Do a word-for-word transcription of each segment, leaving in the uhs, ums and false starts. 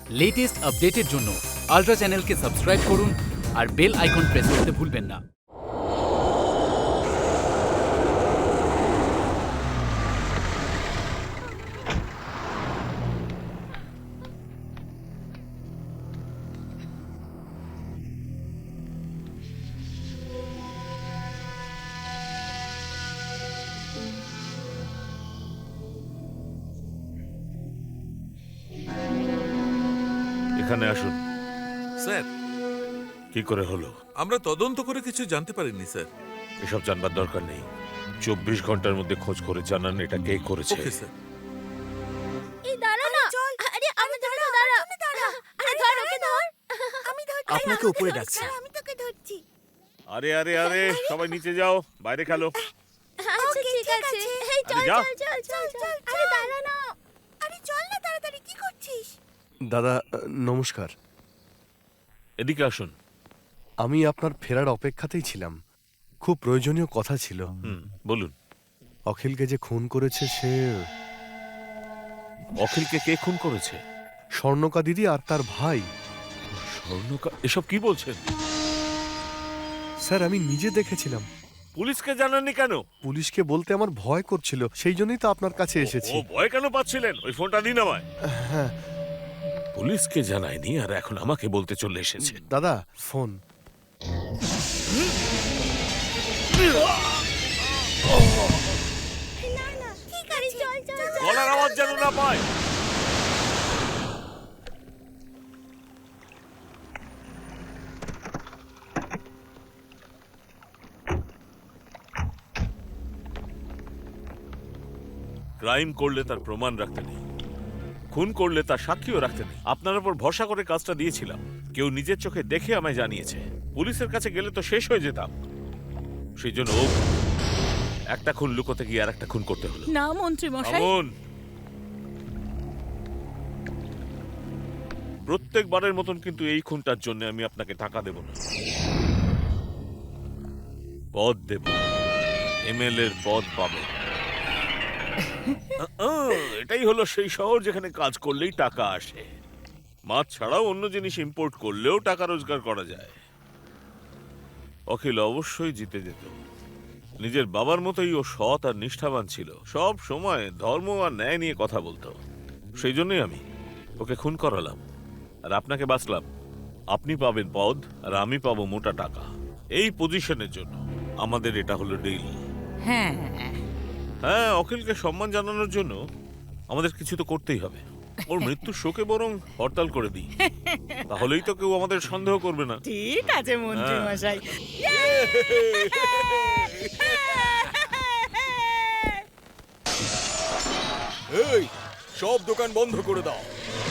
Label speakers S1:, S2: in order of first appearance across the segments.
S1: Latest আপডেটের জন্য ultra চ্যানেলকে সাবস্ক্রাইব করুন আর বেল আইকন প্রেস করতে ভুলবেন না।
S2: এখানে আসুন।
S3: স্যার,
S2: কি করে হলো?
S3: আমরা তদন্ত করে কিছু জানতে পারিনি স্যার।
S2: এসব জানবার দরকার নেই। চব্বিশ ঘন্টার মধ্যে খোঁজ করে জানান এটা কে করেছে।
S3: Okay sir.
S4: এই দাঁড়া না। আরে আমি দাঁড়া দাঁড়া দাঁড়া। আরে ধর ওকে ধর। আমি ধরছি।
S5: আপনাকে উপরে ডাকছে।
S4: আমি তোকে ধরছি।
S2: আরে আরে আরে সবাই নিচে যাও, বাইরে খেলো।
S4: আচ্ছা ঠিক আছে। এই চল
S2: যা।
S4: চল চল চল। আরে দাঁড়া না। আরে চল না তাড়াতাড়ি, কি করছিস?
S5: দাদা নমস্কার।
S2: এদিকে আসুন।
S5: আমি আপনার ফেরার অপেক্ষাতেই ছিলাম। খুব প্রয়োজনীয় কথা ছিল।
S2: হুম, বলুন।
S5: অখিলকে যে খুন করেছে সে
S2: অখিলকে কে খুন করেছে?
S5: স্বর্ণকা দিদি আর তার ভাই।
S2: স্বর্ণকা? এসব কি বলছেন?
S5: স্যার আমি নিজে দেখেছিলাম।
S2: পুলিশকে জানাননি কেন?
S5: পুলিশকে বলতে আমার ভয় করছিল, সেই জন্যই তো আপনার কাছে এসেছি।
S2: ও ভয় কেন পাচ্ছিলেন? ওই ফোনটা দিন আমায়।
S5: হ্যাঁ
S2: পুলিশকে জানায়নি আর এখন আমাকে বলতে চলে এসেছে।
S5: দাদা ফোন।
S4: না না ঠিক আছে চল চল চল।
S2: গলার আওয়াজ যেন না পায়। ক্রাইম করলে তার প্রমাণ রাখতে নেই, খুন করলে তার সাক্ষীও রাখতে নেই। আপনার উপর ভরসা করে কাজটা দিয়েছিলাম। কেউ নিজের চোখে দেখে আমায় জানিয়েছে। পুলিশের কাছে গেলে তো শেষ হয়ে যেতাম। সেই জন্য ও একটা খুন লুকোতে গিয়ে আর একটা খুন করতে হলো।
S6: না মন্ত্রী মশাই,
S2: আমন, প্রত্যেকবারের মতন কিন্তু এই খুনটার জন্য আমি আপনাকে টাকা দেব না, পদ দেব। এমএলএ এর পদ পাবে। এটাই হলো সেই শহর যেখানে কাজ করলেই টাকা আসে। মাছ ছাড়াও অন্য জিনিস ইম্পোর্ট করলেও টাকা রোজগার করা যায়। অখিল অবশ্যই জিতে যেত। নিজের বাবার মতোই ও সৎ আর নিষ্ঠাবান ছিল। সব সময় ধর্ম আর ন্যায় নিয়ে কথা বলতো। সেই জন্যই আমি ওকে খুন করালাম আর আপনাকে বাঁচলাম। আপনি পাবেন পদ আর আমি পাবো মোটা টাকা। এই পজিশনের জন্য আমাদের এটা হলো ডিল।
S6: হ্যাঁ
S2: হ্যাঁ, অখিলকে সম্মান জানানোর জন্য আমাদের কিছু তো করতেই হবে। ওর মৃত্যুর শোকে বরং হরতাল করে দিই, তাহলেই তো কেউ আমাদের সন্দেহ করবে না।
S6: ঠিক আছে মন্ত্রী
S2: হ্যাঁ।
S6: মশাই।
S7: এই সব দোকান বন্ধ করে দাও।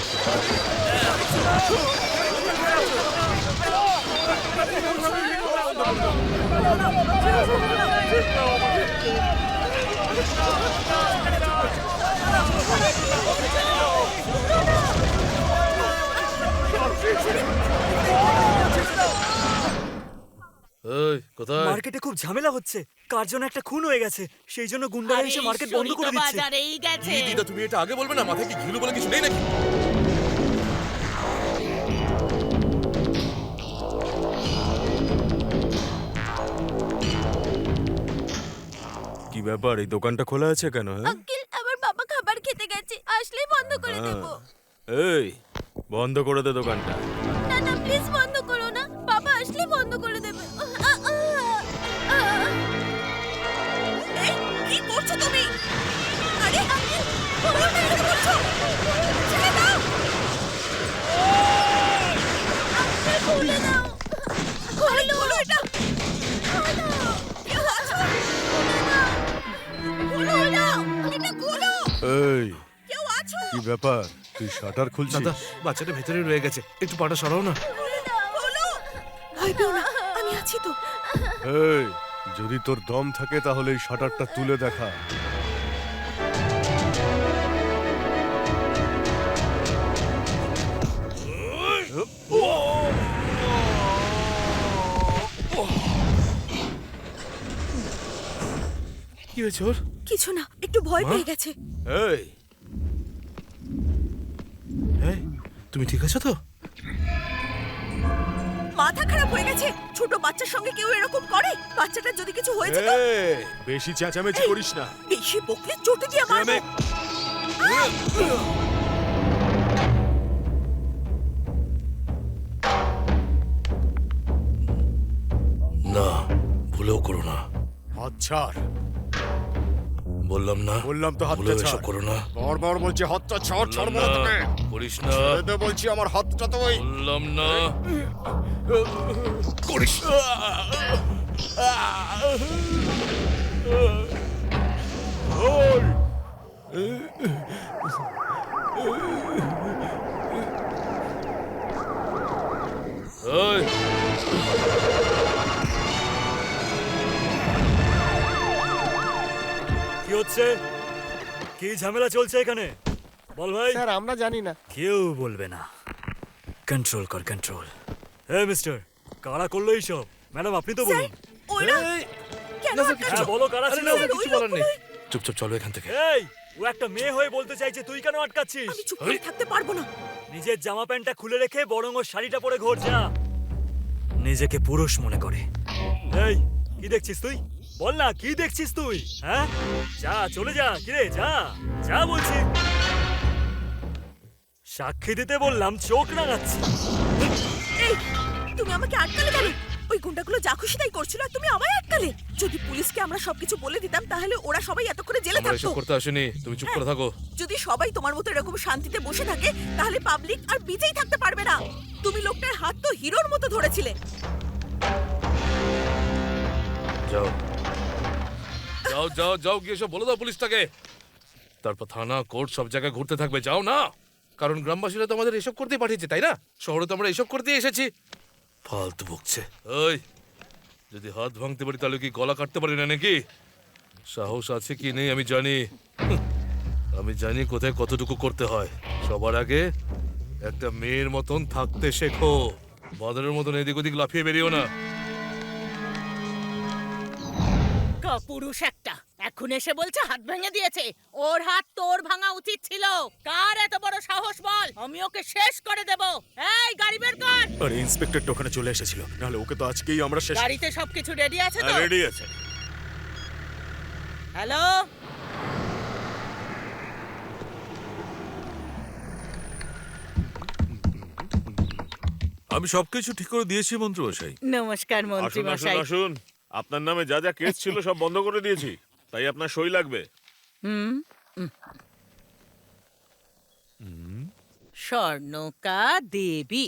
S3: কোথায়?
S8: মার্কেটে খুব ঝামেলা হচ্ছে। কার জন্য একটা খুন হয়ে গেছে, সেই জন্য গুন্ডারা এসে মার্কেট বন্ধ করে দিচ্ছে।
S6: বাজারেই গেছে।
S7: কি দিদা, তুমি এটা আগে বলবে না? মাথায় কি ঘিলু বলে কিছু নেই নাকি? কি ব্যাপার, এই দোকানটা খোলা আছে কেন? হ্যাঁ
S4: আঙ্কেল, আমার বাবা খাবার খেতে গেছে, আসলেই বন্ধ করে দেব।
S7: এই বন্ধ করে দে দোকানটা।
S4: না না প্লিজ বন্ধ করো না, বাবা আসলেই বন্ধ করে দেবে। আ, আ, আ। এই, কি করছো তুমি? আরে আঙ্কেল, তোমরা কি করছো? ছেড়ে দাও। আঙ্কেল খুলে দাও। খোলো খোলো এটা। খোলো। কেউ আছো? খুলে দাও। খোলো দাও। এটা খোলো।
S5: এই
S4: কেউ আছো?
S5: কি ব্যাপার, তুই শাটার খুলছিস?
S3: দাদা, বাচ্চাটা ভেতরে রয়ে গেছে, একটু পাটা সরাও না।
S4: খুলে দাও। খোলো।
S8: ভয় পেও না, আমি আছি তো।
S5: এই যদি তোর দম থাকে তাহলে এই শাটারটা তুলে দেখা।
S3: কি হয়েছে ওর?
S8: কিছু না, একটু ভয় পেয়ে গেছে।
S3: এই, এই, তুমি ঠিক আছো তো?
S4: মাথা খারাপ হয়ে গেছে, ছোট বাচ্চার সঙ্গে কেউ এরকম করে? বাচ্চাটার যদি কিছু হয়েছে তো?
S7: বেশি চেঁচামেচি
S4: এই,
S7: করিস না।
S4: বেশি বকলে চোটে দিয়ে মারবো।
S5: না, ভুলেও করো না।
S7: হাত ছাড়।
S5: বললাম না,
S7: বললাম তো হাতটা
S5: ভুলেও এসব
S7: ছাড়।
S5: করো না।
S7: বারবার বলছি হাতটা ছাড়, ছাড়বো না তোকে।
S5: করিস না,
S7: ছেড়ে দে বলছি, আমার হাতটা তো ওই।
S5: বললাম না। করিস না। ওই,
S8: কি হচ্ছে? কি ঝামেলা চলছে এখানে? বল ভাই।
S5: স্যার আমরা জানি না।
S8: কেউ বলবে না। কন্ট্রোল কর, কন্ট্রোল। হে মিস্টার, কারা করলো এইসব? ম্যাডাম আপনি তো
S4: স্যার,
S8: বলুন।
S4: ওরা
S5: এই,
S4: কেন
S5: না, স্যার,
S4: আটকাচ্ছ?
S8: হ্যাঁ বলো কারা ছিল?
S4: স্যার, ওই
S5: কিছু বলার নেই।
S4: লোকগুলোই-
S5: চুপচাপ চলো এখান থেকে।
S8: এই, ও একটা মেয়ে হয়ে বলতে চাইছে, তুই কেন আটকাচ্ছিস?
S4: আমি চুপ করে থাকতে পারবো না।
S8: নিজের জামা প্যান্টটা খুলে রেখে বরং ওর শাড়িটা পরে ঘোর যা। নিজেকে পুরুষ মনে করে। এই, কি দেখছিস তুই? বল না, কি দেখছিস তুই? হ্যাঁ, যা চলে যা। কিরে, যা যা বলছি। সাক্ষী দিতে বললাম, চোখ রাঙাচ্ছি।
S4: এই, তুমি আমাকে আটকালে কেন? ওই গুন্ডাগুলো যা খুশি তাই করছিল আর তুমি আমায় আটকালে। যদি পুলিশকে আমরা সবকিছু বলে দিতাম তাহলে ওরা সবাই এতক্ষণে জেলে
S5: আমরা
S4: থাকতো।
S5: এসব করতে আসিনি, তুমি চুপ করে থাকো।
S4: যদি সবাই তোমার মতো এরকম শান্তিতে বসে থাকে তাহলে পাবলিক আর বেঁচেই থাকতে পারবে না। তুমি লোকটার হাত তো হিরোর মতো ধরেছিলে।
S5: যাও যাও যাও যাও, গিয়ে সব বলে দাও পুলিশটাকে। তারপর থানা, কোর্ট সব জায়গায় ঘুরতে থাকবে। যাও না, কারণ গ্রামবাসীরা তো আমাদের এসব করতেই পাঠিয়েছে, তাই না? শহরে তো আমরা এসব করতেই এসেছি। ফালতু বকছে। ওই, যদি হাত ভাঙতে পারি তাহলে কি গলা কাটতে পারি না নাকি? সাহস আছে কি নেই আমি জানি। হুঁ, আমি জানি কোথায় কতটুকু করতে হয়। সবার আগে একটা মেয়ের মতন থাকতে শেখো। বাদরের মতন এদিক ওদিক লাফিয়ে বেরিও না।
S6: পুরুষ একটা এখন এসে বলছে হাত ভেঙে দিয়েছে। ওর হাত তোর ভাঙা উচিত ছিল। কার এত বড় সাহস বল? আমি ওকে শেষ করে দেব। এই গাড়ি বের কর।
S7: আরে ইন্সপেক্টরটা ওখানে চলে এসেছিল, নাহলে ওকে তো আজকেই আমরা শেষ।
S6: গাড়িতে সবকিছু রেডি আছে তো?
S2: রেডি আছে।
S6: হ্যালো,
S3: আমি সবকিছু ঠিক করে দিয়েছি মন্ত্রীমশাই।
S6: নমস্কার মন্ত্রী
S2: আসুন আসুন
S6: মশাই।
S2: আসুন, আপনার নামে যা যা কেস ছিল সব বন্ধ করে দিয়েছি, তাই আপনার সই লাগবে।
S6: হুম স্বর্ণকা দেবী।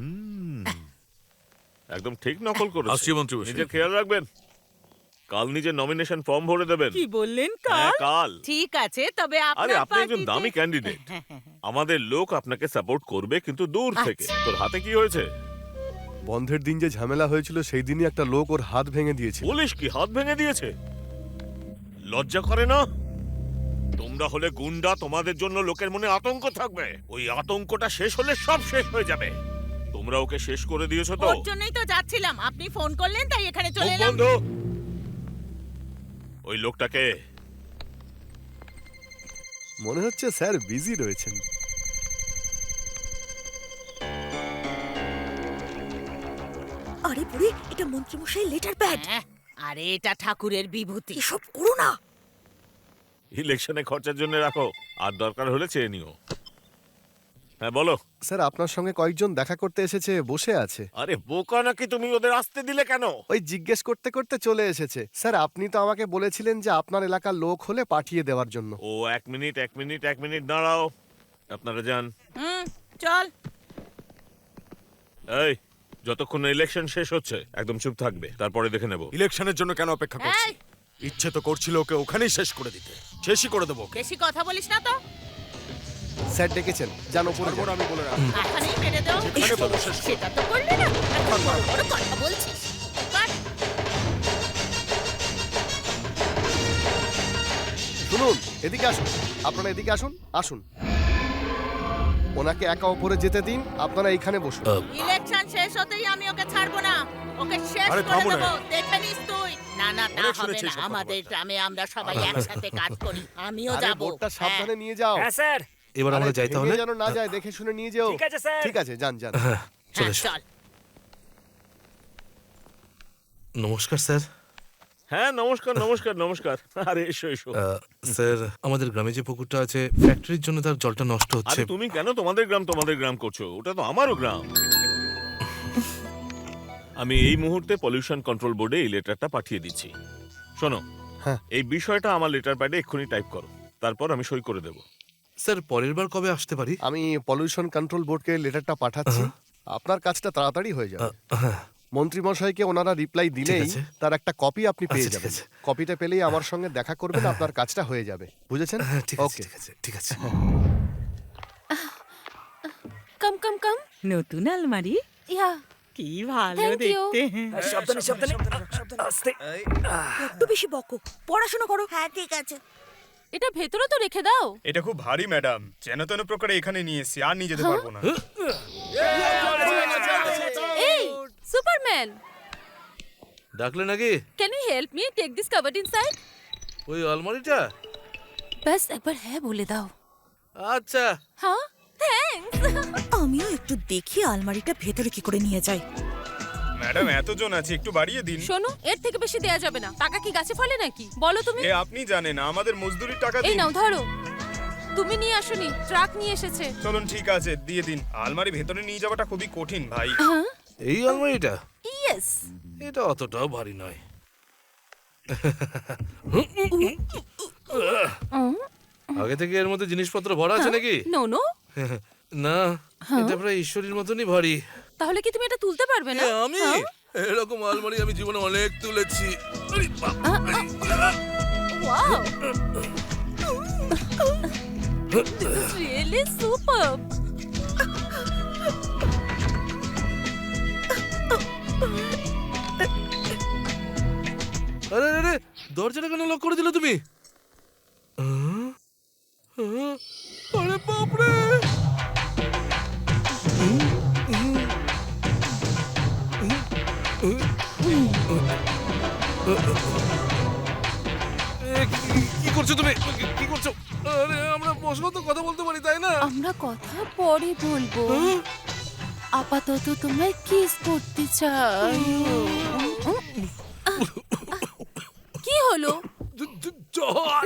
S2: একদম ঠিক নকল করেছে।
S3: আসছি মন্ত্রীমশাই।
S2: নিজের খেয়াল রাখবেন। কাল নিজের নমিনেশন ফর্ম ভরে দেবেন।
S6: কি বললেন?
S2: হ্যাঁ,
S6: কাল?
S2: কাল।
S6: ঠিক আছে, তবে
S2: আরে
S6: আপনার
S2: আপনি একজন
S6: পার্টিতে-
S2: দামি ক্যান্ডিডেট। আমাদের লোক আপনাকে সাপোর্ট করবে, কিন্তু দূর থেকে।
S6: আচ্ছা।
S2: তোর হাতে কি হয়েছে?
S5: বন্ধের দিন যে ঝামেলা হয়েছিল সেই দিনই একটা লোক ওর হাত ভেঙে দিয়েছিল।
S2: পুলিশ কি হাত ভেঙে দিয়েছে? লজ্জা করে না? তোমরা হলে গুন্ডা, তোমাদের জন্য লোকের মনে আতঙ্ক থাকবে। ওই আতঙ্কটা শেষ হলে সব শেষ হয়ে যাবে। তোমরা ওকে শেষ করে দিয়েছো তো।
S6: ওর জন্যই তো যাচ্ছিলাম, আপনি ফোন করলেন তাই এখানে চলে
S2: মুখ
S6: এলাম।
S2: বন্ধ। ওই লোকটাকে
S5: মনে হচ্ছে স্যার বিজি রয়েছেন।
S4: আরে বুড়ি, এটা মন্ত্রীমশাই লেটার প্যাড।
S6: হ্যাঁ, আরে এটা ঠাকুরের বিভূতি।
S4: এসব করো না।
S2: ইলেকশনে খরচার জন্য রাখো, আর দরকার হলে চেয়ে নিও। হ্যাঁ বলো।
S5: স্যার আপনার সঙ্গে কয়েকজন দেখা করতে এসেছে, বসে আছে।
S2: আরে বোকা নাকি তুমি? ওদের আসতে দিলে কেন?
S5: ওই জিজ্ঞেস করতে করতে চলে এসেছে। স্যার আপনি তো আমাকে বলেছিলেন যে আপনার এলাকার লোক হলে পাঠিয়ে দেওয়ার জন্য।
S2: ও এক মিনিট এক মিনিট এক মিনিট দাঁড়াও। আপনারা যান।
S6: হুম, চল।
S2: এই, যতক্ষণ না ইলেকশন শেষ হচ্ছে একদম চুপ থাকবে, তারপরে দেখে নেব।
S7: ইলেকশনের জন্য কেন অপেক্ষা করছি?
S6: এই,
S7: ইচ্ছে তো করছিল ওকে ওখানেই শেষ করে দিতে। শেষই করে দেবো ওকে।
S6: বেশি কথা বলিস না তো।
S5: স্যার ডেকেছেন, জানো উপরে
S7: তারপর
S5: যান।
S7: আমি বলে রাখবো।
S6: এখানেই মেরে দাও।
S7: যেখানে পাবো শেষ করবো।
S6: সেটা তো করলে না। এখন বড় বড় কথা বলছিস। বাট,
S5: শুনুন, এদিকে আসুন। আপনারা এদিকে আসুন, আসুন। ওনাকে একা উপরে যেতে দিন, আপনারা এইখানে বসুন।
S6: ইলেকশন শেষ হতেই আমি ওকে ছাড়বো না। ওকে শেষ
S7: আরে
S6: করে
S7: থামো না।
S6: দেবো। দেখে নিস তুই। না না, তা
S7: অনেক
S6: হবে
S7: শুনেছি
S6: না।
S7: এসব
S6: আমাদের
S7: কথাবার্তা।
S6: গ্রামে আমরা সবাই একসাথে কাজ করি। আমিও
S5: আরে
S6: যাব।
S5: বোর্ডটা সাবধানে নিয়ে যাও।
S8: হ্যাঁ স্যার,
S5: এবার আমরা যাই তাহলে।
S9: যেন না যায়, দেখে শুনে নিয়ে যেও।
S8: ঠিক আছে স্যার।
S9: ঠিক আছে, যান যান।
S5: হ্যাঁ চলে
S6: হ্যাঁ,
S5: এসো।
S6: চল।
S5: নমস্কার স্যার।
S2: হ্যাঁ নমস্কার নমস্কার নমস্কার। আরে এসো এসো।
S5: আহ, স্যার আমাদের গ্রামে যে পুকুরটা আছে ফ্যাক্টরির জন্য তার জলটা নষ্ট হচ্ছে।
S2: আরে তুমি কেন তোমাদের গ্রাম তোমাদের গ্রাম করছো? ওটা তো আমারও গ্রাম। আমি এই মুহূর্তে পলিউশন কন্ট্রোল বোর্ডে এই লেটারটা পাঠিয়ে দিচ্ছি। শোনো,
S9: হ্যাঁ।
S2: এই বিষয়টা আমার লেটার প্যাডে এক্ষুনি টাইপ করো, তারপর আমি সই করে দেবো।
S5: স্যার পরের বার কবে আসতে পারি?
S9: আমি পলিউশন কন্ট্রোল বোর্ডকে লেটারটা পাঠাচ্ছি। আপনার কাজটা তাড়াতাড়ি হয়ে যাবে।
S5: আহ, হ্যাঁ
S9: মন্ত্রী মশাইকে ওনারা রিপ্লাই দিলেই
S5: আছে।
S9: তার একটা কপি আপনি পেয়ে
S5: আচ্ছা, ঠিক
S9: যাবেন।
S5: আছে।
S9: কপিটা পেলেই আমার সঙ্গে দেখা করবেন, আপনার কাজটা হয়ে যাবে। বুঝেছেন?
S5: হ্যাঁ ঠিক আছে
S9: ওকে।
S5: ঠিক আছে ঠিক আছে।
S4: কাম কাম কাম।
S6: নতুন আলমারি,
S4: ইয়া
S6: কি ভালো
S4: Thank you.
S6: দেখতে।
S8: সাবধানে সাবধানে আস্তে।
S6: একটু বেশি বকো, পড়াশোনা করো।
S4: হ্যাঁ ঠিক আছে। এটা ভেতরে তো রেখে দাও।
S7: এটা খুব ভারী ম্যাডাম, যেন তেন প্রকারে এখানে নিয়ে এসেছি, আর নিয়ে যেতে পারবো না।
S4: এই সুপারম্যান,
S5: ডাকলে নাকি?
S4: Can you help me take this cupboard inside?
S5: ওই আলমারিটা?
S4: বাস একবার হ্যাঁ বলে দাও।
S5: আচ্ছা
S4: হ্যাঁ থ্যাঙ্কস।
S6: আমিও একটু দেখি আলমারিটা ভেতরে কি করে নিয়ে যাই।
S7: ম্যাডাম এতজন আছে, একটু বাড়িয়ে দিন।
S4: শোনো, এর থেকে বেশি দেয়া যাবে না। টাকা কি গাছে ফলে নাকি? বলো তুমি।
S7: এ আপনি জানেন, আমাদের মজদুরির টাকা
S4: এই
S7: দিন।
S4: নাও ধরো। তুমি নিয়ে আসোনি, ট্রাক নিয়ে এসেছে।
S7: চলুন ঠিক আছে, দিয়ে দিন। আলমারি ভেতরে নিয়ে যাওয়াটা খুবই কঠিন ভাই।
S4: হ্যাঁ
S5: এই আলমারিটা?
S4: ইয়েস।
S5: এটা অতটাও ভারী নয়। আগে থেকে এর মধ্যে জিনিসপত্র ভরা আছে নাকি?
S4: No no.
S5: না, এটা প্রায় ঈশ্বরের মতনই ভারী।
S4: তাহলে কি তুমি এটা তুলতে পারবে না?
S5: এ, আমি এরকম আলমারি আমি জীবনে অনেক তুলেছি। আরে বাপ!
S4: Wow, this is really superb.
S5: আরে আরে দরজাটা কেন লক করে দিলে তুমি? আহ? আহ? আরে বাপরে! এ, কি- কি করছো তুমি? কি- কি করছো? আরে আমরা বসেও তো কথা বলতে পারি তাই না?
S4: আমরা কথা পরে বলবো। আপাতত তোমায় কিস করতে চাই। কি হলো?
S5: জ- জ- জ্বর!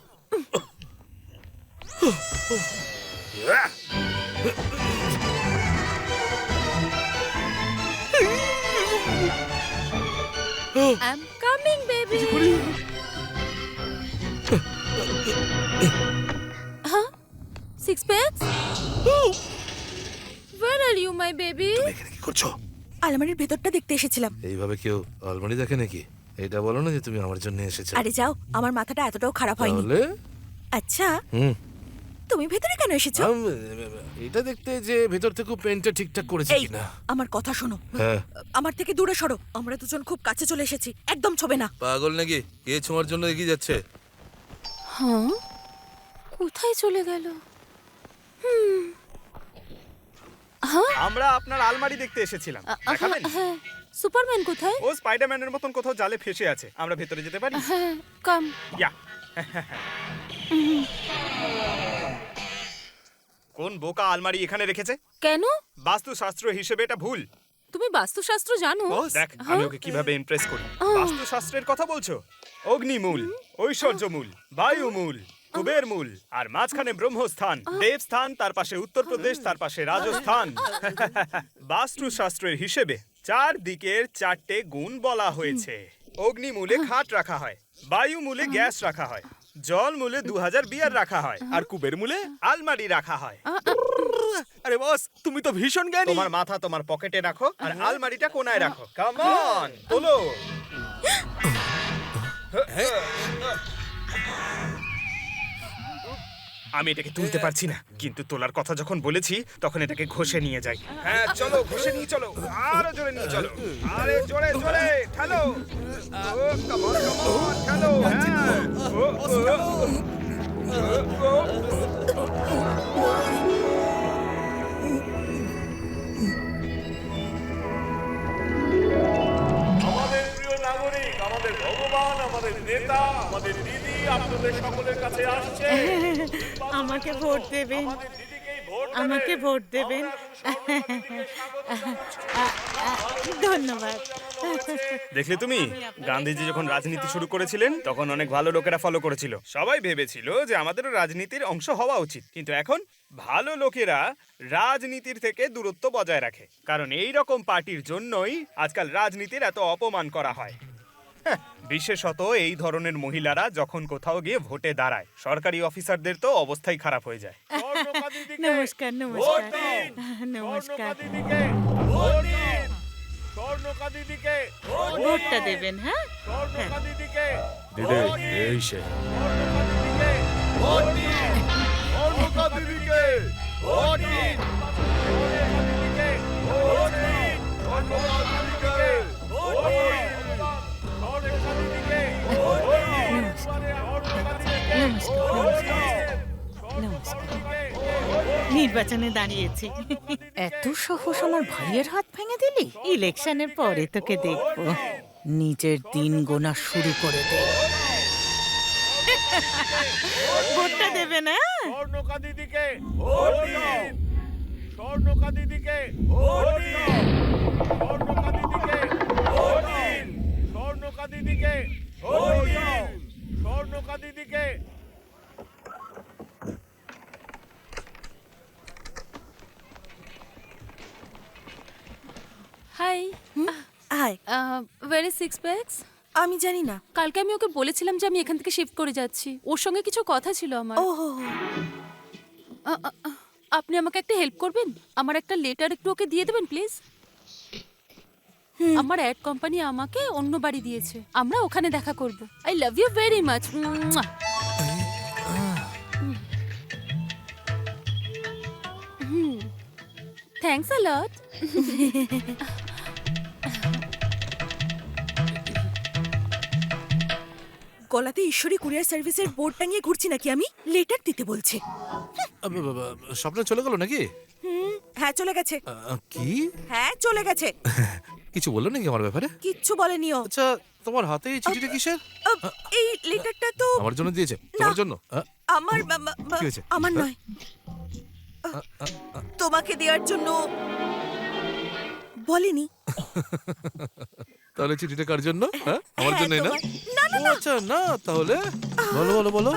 S4: I'm coming, baby. Huh? Six pence? Where are you, my baby?
S5: এখানে কি করছো?
S6: আলমারির ভেতরটা দেখতে এসেছিলাম।
S5: এইভাবে কেউ আলমারি দেখে নাকি? এটা বলো না যে তুমি আমার জন্য এসেছো।
S6: আরে যাও, আমার মাথাটা এতটাও খারাপ হয়নি।
S5: তাহলে
S6: আচ্ছা,
S5: হুম
S6: তুমি ভেতরে কেন এসেছো?
S5: আম, এটা দেখতে যে ভেতর থেকে পেন্টটা ঠিকঠাক করেছে
S6: এই
S5: কিনা।
S6: আমার কথা শোনো,
S5: হ্যাঁ
S6: আমার থেকে দূরে সরো। আমরা দুজন খুব কাছে চলে এসেছি, একদম ছবে না।
S5: পাগল নাকি? কে ছোঁয়ার জন্য এগিয়ে যাচ্ছে?
S4: হ্যাঁ, কোথায় চলে গেল?
S7: আমরা আপনার আলমারি দেখতে এসেছিলাম, দেখাবেন?
S4: হ্যাঁ, সুপারম্যান কোথায়?
S7: ও স্পাইডারম্যানের মতন কোথাও জালে ফেসে আছে, আমরা ভেতরে যেতে পারি?
S4: হ্যাঁ, কাম।
S7: ইয়া। কোন বোকা আলমারি এখানে রেখেছে?
S4: কেন?
S7: বাস্তুশাস্ত্র হিসেবে এটা ভুল।
S4: তুমি বাস্তুশাস্ত্র জানো?
S7: দেখ আমি ওকে কিভাবে ইমপ্রেস করি। বাস্তুশাস্ত্রের কথা বলছো? অগ্নিমূল, ঐশ্বর্যমূল, বায়ুমূল, কুবের মূল, আর মাঝখানে ব্রহ্মস্থান, দেবস্থান, তার পাশে উত্তরপ্রদেশ, তার পাশে রাজস্থান। বাস্তুশাস্ত্রের হিসেবে চার দিকের চারটে গুণ বলা হয়েছে। অগ্নিমূলে খাট রাখা হয়, বায়ুমূলে গ্যাস রাখা হয়, জল মূলে দু হাজার বিয়ার রাখা হয়, আর কুবের মূলে আলমারি রাখা হয়।
S9: আরে বস, তুমি তো ভীষণ জ্ঞানী।
S7: তোমার মাথা তোমার পকেটে রাখো আর আলমারিটা কোনায় রাখো। কাম অন, তোলো। আমি এটাকে তুলতে পারছি না, কিন্তু তোলার কথা যখন বলেছি তখন এটাকে ঘষে নিয়ে যাই। হ্যাঁ চলো, ঘষে নিয়ে চলো, আরো জোরে নিয়ে চলো, আরে জোরে জোরে ঠেলো। ও কাম অন, কাম অন, ঠেলো। হ্যাঁ ও ও
S2: আমাদের প্রিয় নাগরিক, আমাদের ভগবান, আমাদের নেতা, আমাদের দিদি, আপনাদের সকলের কাছে আসছে।
S6: আমাকে ভোট দেবেন,
S2: আমাদের দিদিকেই ভোট দেবেন।
S6: আমাকে ভোট দেবেন। ধন্যবাদ।
S7: দেখলে তুমি গান্ধীজি যখন রাজনীতি শুরু করেছিলেন তখন অনেক ভালো লোকেরা ফলো করেছিল। সবাই ভেবেছিল যে আমাদেরও রাজনীতির অংশ হওয়া উচিত, কিন্তু এখন ভালো লোকেরা রাজনীতির থেকে দূরত্ব বজায় রাখে, কারণ এই রকম পার্টির জন্যই আজকাল রাজনীতির এত অপমান করা হয়। হ্যাঁ, বিশেষত এই ধরনের মহিলারা যখন কোথাও গিয়ে ভোটে দাঁড়ায়, সরকারি অফিসারদের তো অবস্থাই খারাপ হয়ে যায়।
S2: স্বর্ণকা দিদিকে
S6: নমস্কার,
S2: ভোট
S6: নমস্কার,
S2: দিন।
S6: নমস্কার।
S2: স্বর্ণকা দিদিকে ভোট দিন। স্বর্ণকা দিদিকে ভোট দিন।
S6: ভোটটা দেবেন, হ্যাঁ?
S2: স্বর্ণকা দিদিকে
S5: দিদি
S2: ভোট দিন।
S5: এই সে
S2: স্বর্ণকা দিদিকে ভোট দিন। স্বর্ণকা দিদিকে ভোট দিন। স্বর্ণকা দিদিকে ভোট দিন। স্বর্ণকা দিদিকে ভোট দিন। স্বর্ণকা দিদিকে ভোট দিন। স্বর্ণকা দিদিকে ভোট দিন।
S6: নির্বাচনে দাঁড়িয়েছি। এত সাহস আমার ভাইয়ের হাত ভেঙে দিলি? ইলেকশনের পরে তোকে দেখবো। নিজের দিন গোনা শুরু করে দে। ভোটটা দেবে না?
S2: স্বর্ণকা দিদিকে ভোট দিন। স্বর্ণকা দিদিকে ভোট দিন। স্বর্ণকা দিদিকে ভোট দিন। স্বর্ণকা দিদিকে ভোট দিন। স্বর্ণকা দিদিকে
S10: hi
S4: hi,
S10: where is six packs?
S4: আমি জানি না।
S10: কালকে আমি ওকে বলেছিলাম যে আমি এখান থেকে শিফট করে যাচ্ছি। ওর সঙ্গে কিছু কথা ছিল আমার।
S4: ও হো হো।
S10: আ, আ, আ, আপনি আমাকে একটা হেল্প করবেন? আমার একটা লেটার একটু ওকে দিয়ে দেবেন প্লিজ। আমার অ্যাড কোম্পানি আমাকে অন্য বাড়ি দিয়েছে, আমরা ওখানে দেখা করব। I love you very much. Thanks a lot.
S4: গলাতে ঈশ্বরী কুরিয়ার সার্ভিসের বোর্ড টাঙিয়ে ঘুরছি নাকি আমি? লেটার দিতে বলছে।
S5: স্বপ্ন চলে গেল নাকি?
S4: হুম, হ্যাঁ চলে গেছে।
S5: আহ, কি
S4: হ্যাঁ চলে গেছে।
S5: কিছু বললো নাকি আমার ব্যাপারে?
S4: কিচ্ছু বলেনি ও।
S5: আচ্ছা, তোমার হাতে এই চিঠিটা কিসের?
S4: আহ, এই লেটারটা তো
S5: আমার জন্য দিয়েছে? তোমার জন্য? আহ,
S4: আমার বা- বা- বা-
S5: কি হয়েছে?
S4: আমার নয়, তোমাকে দেওয়ার জন্য বলেনি।
S5: তাহলে চিঠিটা কার জন্য? হ্যাঁ, আমার
S4: হ্যাঁ,
S5: জন্যই না?
S4: তোমার- না না
S5: ও,
S4: না,
S5: আচ্ছা, না তাহলে বলো বলো বলো।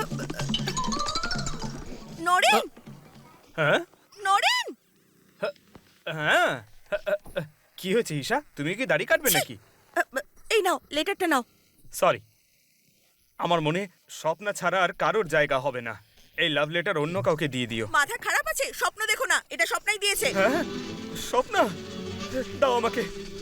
S4: নরেন,
S7: হ্যাঁ
S4: নরেন।
S7: হ্যাঁ, কি হয়েছে ঈশা? তুমি কি দাড়ি কাটবে নাকি?
S4: আহ, এই নাও লেটারটা নাও।
S7: সরি, আমার মনে স্বপ্না ছাড়া আর কারোর জায়গা হবে না। এই লাভ লেটার অন্য কাউকে দিয়ে দিও।
S4: মাথা খারাপ আছে? স্বপ্ন দেখো না, এটা স্বপ্নাই দিয়েছে।
S7: হ্যাঁ, স্বপ্না, দাও আমাকে।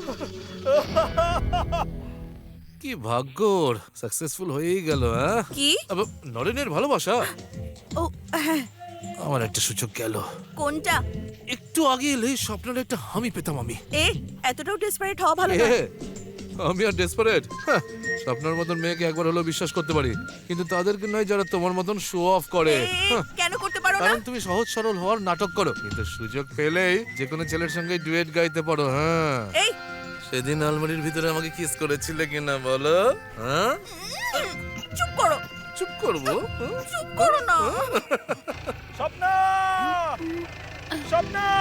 S5: কি ভাগ্যর, সাকসেসফুল হয়েই গেল। হ্যাঁ,
S4: কি?
S5: আবার নরেনের ভালোবাসা।
S4: ও হ্যাঁ,
S5: আমার একটা সুযোগ গেল।
S4: কোনটা?
S5: একটু আগে এলে স্বপ্নের একটা হামি পেতাম আমি।
S4: এ এতটাও ডেসপারেট হওয়া ভালো
S5: এ,
S4: না।
S5: আমি আর ডেসপারেট? স্বপ্নের মতন মেয়েকে একবার হলেও বিশ্বাস করতে পারি, কিন্তু তাদেরকে নয় যারা তোমার মতন শো অফ করে।
S4: এ,
S5: হ্যাঁ,
S4: কেন করতে পারো না?
S5: কারণ তুমি সহজ সরল হওয়ার নাটক করো, কিন্তু সুযোগ পেলেই যে কোনো ছেলের সঙ্গে ডুয়েট গাইতে পারো। হ্যাঁ,
S4: এই
S5: সেদিন আলমারির ভিতরে আমাকে কিস করেছিলে কিনা বলো? হ্যাঁ,
S4: চুপ করো,
S5: চুপ করবো? হ্যাঁ?
S4: চুপ করো না।
S7: স্বপ্না, স্বপ্না,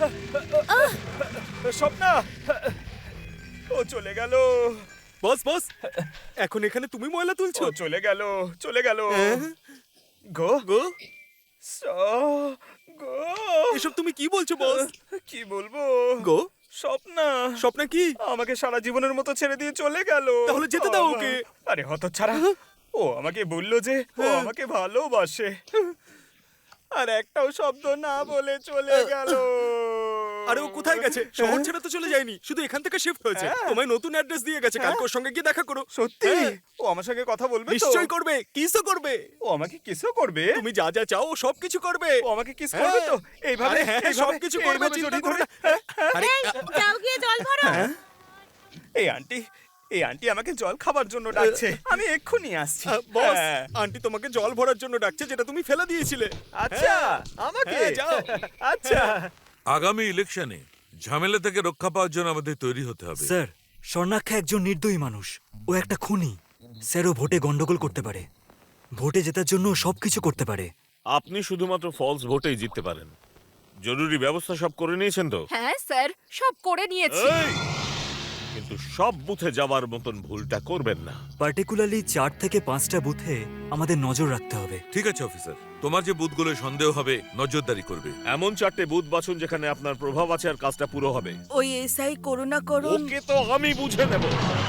S7: স্বপ্না, ও চলে গেল।
S11: বস বস, এখন এখানে তুমি ময়লা তুলছো?
S7: ও চলে গেল, চলে গেল। গো
S11: গো,
S7: স গো,
S11: এসব তুমি কি বলছো বস?
S7: কি বলবো
S11: গো,
S7: স্বপ্না,
S11: স্বপ্না কি?
S7: আমাকে সারা জীবনের মতো ছেড়ে দিয়ে চলে গেল।
S11: তাহলে যেতে দাও ওকে।
S7: আরে হতচ্ছাড়া, ও আমাকে বললো যে ও আমাকে ভালোবাসে, আর একটাও শব্দ না বলে চলে গেল।
S11: আরে ও কোথায় গেছে? শহর ছেড়ে তো চলে যায়নি, শুধু এখান থেকে শিফট হয়েছে।
S7: হ্যাঁ।
S11: তোমায় নতুন অ্যাড্রেস দিয়ে গেছে, কালকে ওর সঙ্গে গিয়ে দেখা করো।
S7: সত্যি?
S11: হ্যাঁ।
S7: ও আমার সঙ্গে কথা বলবে তো?
S11: নিশ্চয়ই করবে, কিসও করবে।
S7: ও আমাকে কিসও করবে?
S11: তুমি যা যা চাও ও সব কিছু করবে।
S7: ও আমাকে কিস করবে তো? এইভাবে
S11: আরে হ্যাঁ,
S7: এইভাবে,
S11: সবকিছু করবে,
S7: এইভাবে
S11: চিন্তা
S7: জড়িয়ে
S11: করো
S7: ধরে।
S11: না। হ্যাঁ, আরে,
S6: যাও গিয়ে জল ভরো।
S7: এই আন্টি, এই আন্টি আমাকে জল খাবার জন্য ডাকছে, আমি এক্ষুনি আসছি।
S11: আহ, বস,
S7: হ্যাঁ।
S11: আন্টি তোমাকে জল ভরার জন্য ডাকছে, যেটা তুমি ফেলে দিয়েছিলে।
S7: আচ্ছা,
S11: হ্যাঁ।
S7: আমাকে
S11: হ্যাঁ, যাও।
S7: আচ্ছা,
S3: আগামী ইলেকশনে ঝামেলা থেকে রক্ষা পাওয়ার জন্য আমাদের তৈরি হতে হবে।
S8: স্যার, স্বর্ণাক্ষা একজন নির্দয়ী মানুষ। ও একটা খুনি। স্যার, ও ভোটে গন্ডগোল করতে পারে। ভোটে জেতার জন্য সবকিছু করতে পারে।
S2: আপনি শুধুমাত্র ফলস ভোটেই জিততে পারেন। জরুরি ব্যবস্থা সব করে নিয়েছেন তো?
S10: হ্যাঁ স্যার, সব করে নিয়েছি।
S2: এই! কিন্তু সব বুথে যাওয়ার মতন ভুলটা করবেন না।
S8: পার্টিকুলারলি চার থেকে পাঁচটা বুথে আমাদের নজর রাখতে হবে।
S3: ঠিক আছে অফিসার, তোমার যে বুথগুলো সন্দেহ হবে নজরদারি করবে।
S2: এমন চারটে বুথ বাছুন যেখানে আপনার প্রভাব আছে আর কাজটা পুরো হবে।
S4: ওই এসআই করুণা করুন।
S2: ওকে তো আমি বুঝে নেব।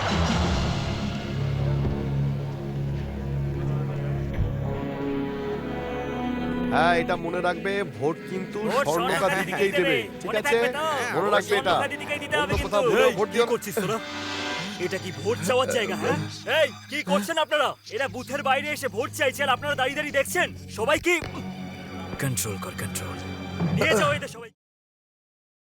S9: হ্যাঁ, এটা মনে রাখবে, ভোট কিন্তু
S8: ভোট
S9: স্বর্ণকার
S8: স্বর্ণকার
S9: দিদিকেই
S8: দিদিকেই
S9: দেবে,
S8: দেবে।
S9: ঠিক
S8: মনে
S9: আছে?
S8: থাকবে তো?
S9: মনে রাখবে এটা।
S8: স্বর্ণকার দিদিকেই দিতে হবে
S9: অন্য
S8: কিন্তু।
S9: কোথাও ভুলেও
S8: এই,
S9: ভোট
S8: কি
S9: দিও না।
S8: করছিস তোরা? এটা কি ভোট চাওয়ার জায়গা? হ্যাঁ, এই কি করছেন আপনারা? এরা বুথের বাইরে এসে ভোট চাইছে আর আপনারা দাঁড়িয়ে দাঁড়িয়ে দেখছেন। সবাই কি কন্ট্রোল কর, কন্ট্রোল নিয়ে যাও এদের সবাই।